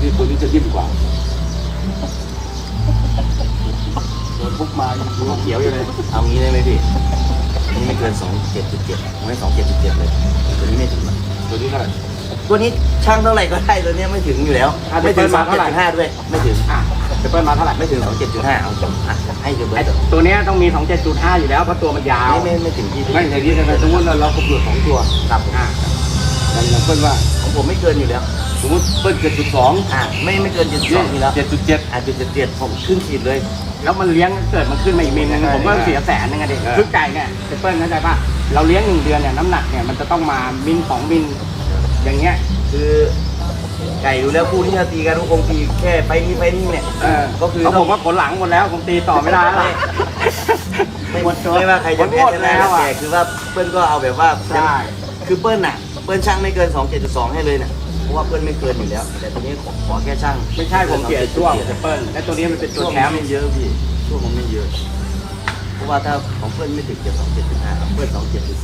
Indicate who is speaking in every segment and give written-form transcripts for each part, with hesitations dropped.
Speaker 1: ที่ตัวนี้จะดิ้นกว่าโดนปุ๊บมายังดูเขียวอยู่เลย
Speaker 2: เอางี้ได้ไหมพี่นี่ไม่เกิน27.7ผมให้27.7เลยตัวนี้ไม่ถึง
Speaker 1: ตัวนี้เท่าไหร่
Speaker 2: ตัวนี้ช่างเท่าไหร่ก็ได้ตัวนี้ไม่ถึงอยู่แล้วไม่ถึง27.5ด้วยไม่ถึง
Speaker 1: จะเปิ้ลมาเท่าไหร่
Speaker 2: ไม่ถึง27.5เอาจบให้เดี๋ยวเบิร์ด
Speaker 3: ตัวนี้ต้องมี 27.5 อยู่แล้วเพราะตัวมันยาว
Speaker 2: ไม่ถึงที่
Speaker 1: ไม่อย่างนี้นะสมมติเราเปลือกของตัว
Speaker 2: ครับ
Speaker 1: อย่างเปิ้ลว่า
Speaker 2: ของผมไม่เกินอยู่แล้ว
Speaker 1: สมมติเปิ้ล7.2
Speaker 2: ไม่เกิน72นี่แล้ว
Speaker 1: 7.7
Speaker 2: 7.7ผมขึ้นขีดเลย
Speaker 3: แล้วมันเลี้ยงเกิดมันขึ้นมาอีกมิลนึงผมก็เสีย100,000นึงอะดิคือไก่เนี่ยเปิ้ลเข้าใจป่ะเราเลี้ยง1 เดือนเนี่ยน้ำหนักเนี่ยมันจะต้องมามิล2 มิลอย่างเงี้ย
Speaker 2: คือไก่อยู่แล้วคู่ที่จะตีกันทุกคงตีแค่ไปนี่เนี่ยก็คือ
Speaker 3: แล้วผมว่าผลหลังหมดแล้วผมตีต่อไม่ได้แล้ว
Speaker 2: ไม่ว่าใครจะแพ้ชนะแต่คือว่าเปิ้ลก็เอาแบบว่า
Speaker 3: ใช่
Speaker 2: คือเปิ้ลน่ะเปิ้ลช่างไม่เกิน27.2ให้เลยน่ะเพราะว่าเปิ้ลไม่เกินอยู่แล้วแต่ตัวนี้ขอแค่ช่าง
Speaker 3: ไม่ใช่ผมเสียช่วงเปิ้ลและตัวนี้มันเป็นตัว
Speaker 2: ช่วง
Speaker 3: แชมป์
Speaker 2: ไม่เยอะพี่ช่วงมันไม่เยอะเพราะว่าถ้าของเปิ้ลไม่ถึง27.5เปิ้ล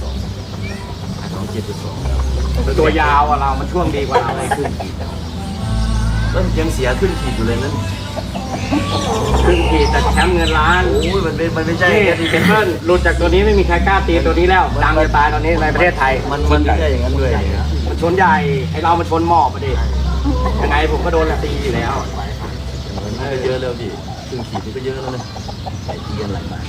Speaker 2: 27.2
Speaker 3: ตัวยาวอะเรามันช่วงดีกว่าเรา
Speaker 2: ไม่ขึ้นขีดเปิ้ลยังเสียขึ้นขีดอยู่เลยนั่น
Speaker 3: ครึ่งขีดแต่แชมป์เงินล้าน
Speaker 2: โอ้ยมันไม่ใช่
Speaker 3: นี่เปิ้ลหลุดจากตัวนี้ไม่มีใครกล้าตีตัวนี้แล้วดังจะตายตอนนี้ในประเทศไทย
Speaker 2: มันไม่ใช่อย่างนั้นเลย
Speaker 3: มันชนใหญ่ไอเรามันชนหมอบอะดิยังไงผมก็โดนตีอยู่แล้ว
Speaker 2: มันก็เยอะแล้วพี่ครึ่งขีดนี่ก็เยอะแล้วนะใส่ตีกันหลายบาท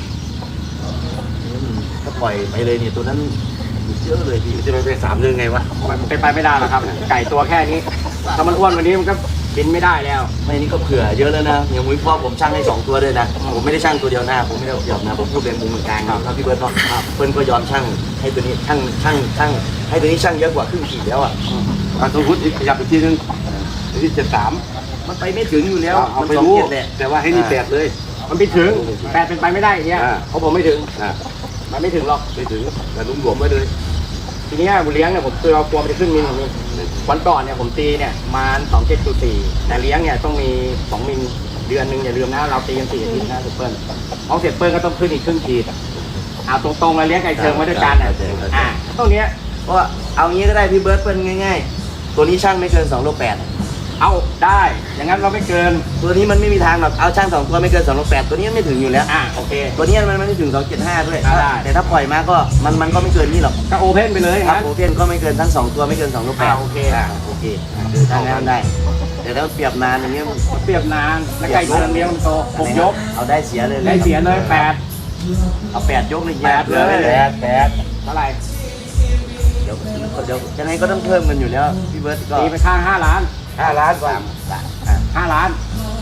Speaker 2: ถ้าปล่อยไปเลยเนี่ยตัวนั้นเยอะเลยพี่
Speaker 1: จะไปเป็น3 เดือนไงวะ
Speaker 3: มันเป็นไปไม่ได้หรอกครับ ไก่ตัวแค่นี้ถ้ามันอ้วนกว่านี้มันก็กินไม่ได้แล้ว
Speaker 2: ไม่นี่ก็เผื่อเยอะแล้วนะอย่างมุ้ยพ่อผมช่างให้2 ตัวด้วยนะผมไม่ได้ช่างตัวเดียวหน้าผมไม่ได้เดียวนะผมพูดเป็นมุมกลางครับพี่เบิร์ดเนาะเปิ้ลก็ยอมช่างให้ตัวนี้ช่างให้ตัวนี้ช่างเยอะกว่าครึ่งขีดแล้วอ่ะ
Speaker 1: สมมติขยับอีกทีนึงที่73
Speaker 2: มันไปไม่ถึงอยู่แล้ว
Speaker 1: เอา
Speaker 2: มัน
Speaker 1: ไป
Speaker 2: สอง
Speaker 1: รู้
Speaker 2: เจ็ดแหละ
Speaker 1: แต่ว่าให้นี่8เลย
Speaker 3: มันไม่ถึง8เป็นไปไม่ได้เนี่ยเพราะผมไม่ถึง มันไม่ถึงหรอก
Speaker 1: ไม่ถึงแต่รวมๆไว้เลย
Speaker 3: ทีนี้บุเลี้ยงเนี่ยผมคือเรากลัวมันจะขึ้นมิลนี่วันก่อนเนี่ยผมตีเนี่ยมา27.4แต่เลี้ยงเนี่ยต้องมี2 มิลเดือนนึงอย่าลืมนะเราตีกัน4 อาทิตย์นะเปิ้ลของเสร็จเปิ้ลก็ต้องขึ้นอีกครึ่งขีดเอาตรงๆเลยเลี้ยงไก่เชิงมาด้วยกันตรงเนี้ย
Speaker 2: เพราะว่าเอางี้ก็ได้พี่เบิร์ดเปิ้ลง่ายๆตัวนี้ช่างไม่เกิน2 โล 8
Speaker 3: เอาได้อย่างนั้นเราไม่เกิน
Speaker 2: ตัวนี้มันไม่มีทางหรอกเอาช่าง2 ตัวไม่เกิน2 โล 8ตัวนี้ไม่ถึงอยู่แล้ว
Speaker 3: โอเค
Speaker 2: ตัวนี้มันไม่ถึง2.75ด้วย
Speaker 3: ได้
Speaker 2: แต่ถ้าปล่อยมาก็มันก็ไม่เกินนี่หรอก
Speaker 3: ก็โอเพนไปเลย
Speaker 2: ครับ
Speaker 3: นะ
Speaker 2: โอเคก็ไม่เกินทั้ง2 ตัวไม่เกิน2 โล 8
Speaker 3: โอเค
Speaker 2: โอเคคือทางนั้นได้ แต่ถ้าเปรียบนานอย่างเงี้ย
Speaker 3: เปรียบนานแล้วไก่เชิงเลี้ยงมันโต6 ยก
Speaker 2: เอาได้เสียเลย
Speaker 3: ได้เสียเลย
Speaker 2: เอา8 ยกเลย
Speaker 3: 8เลย
Speaker 2: 8
Speaker 3: เท่าไหร่
Speaker 2: เดี๋ยวยังไงก็ต้องเพิ่มกันอยู่แล้วพี่เบิร์ดก็
Speaker 3: ตีไปข้าง5 ล้าน
Speaker 2: 5 ล้านกว่า
Speaker 3: 5 ล้าน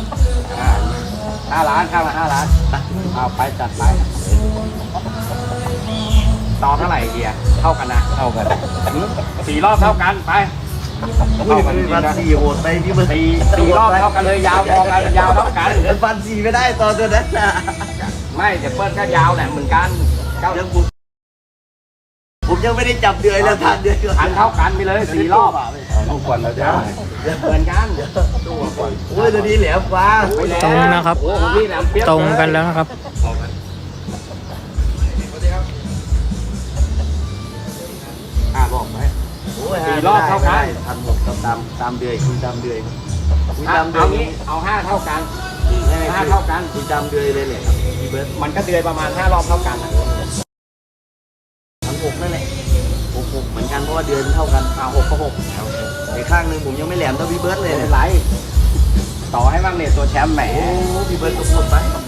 Speaker 3: 5 ล้านข้างละ5 ล้านเอาไปจัดไปต่อเท่าไหร่เดียเท่ากันนะเท่ากัน4 รอบเท่ากันไป
Speaker 2: อุ้ยฟัน4โหดไปพี่เบิร์ด
Speaker 3: 4 รอบเท่ากันเลยยาวพอกันยาวเท่ากัน
Speaker 2: ฟัน4ไม่ได้ตอนตัวนั้นนะ
Speaker 3: ไม่เดี๋ยวเปิ้ลก็ยาวแหละเหมือนกัน
Speaker 2: ผมยังไม่ได้จับเดือยแล้วทันเดือย
Speaker 3: อันเท่ากันไปเลย4 รอบ
Speaker 1: ลูกก่อนเราจะ
Speaker 3: เหมือนกัน
Speaker 2: โอ้ยตัวนี้แหลมกว่า
Speaker 4: ตรงนะครับ
Speaker 3: โอ้โหนี่แหลมเปี๊ยบ
Speaker 4: ตรงกันแล้วนะครับ
Speaker 3: บอกไหม
Speaker 2: โอ้ย
Speaker 3: 4 รอบเท่ากัน
Speaker 2: 1,600ตามเดือยคุยตามเดือยคุยตามเดือ
Speaker 3: เอา
Speaker 2: ย
Speaker 3: งี้เอา5 เท่ากัน
Speaker 2: 5 เท่ากันคุยตามเดือยเลยแหละครับพี่เบิร์ด
Speaker 3: มันก็เดือยประมาณ5 รอบเท่ากัน
Speaker 2: 6นั่นแหละ6เหมือนกันเพราะว่าเดือนเท่ากัน6ก็6แต่ข้างหนึ่งผมยังไม่แหลมเท่าพี่เบิร์ดเลย
Speaker 3: ไม่
Speaker 2: เนี่
Speaker 3: เป็
Speaker 2: ย
Speaker 3: นไรต่อให้บ้างเนี่ยตัวแชมป์แหม
Speaker 2: โอ้พี่เบิร์ดก็พูดไป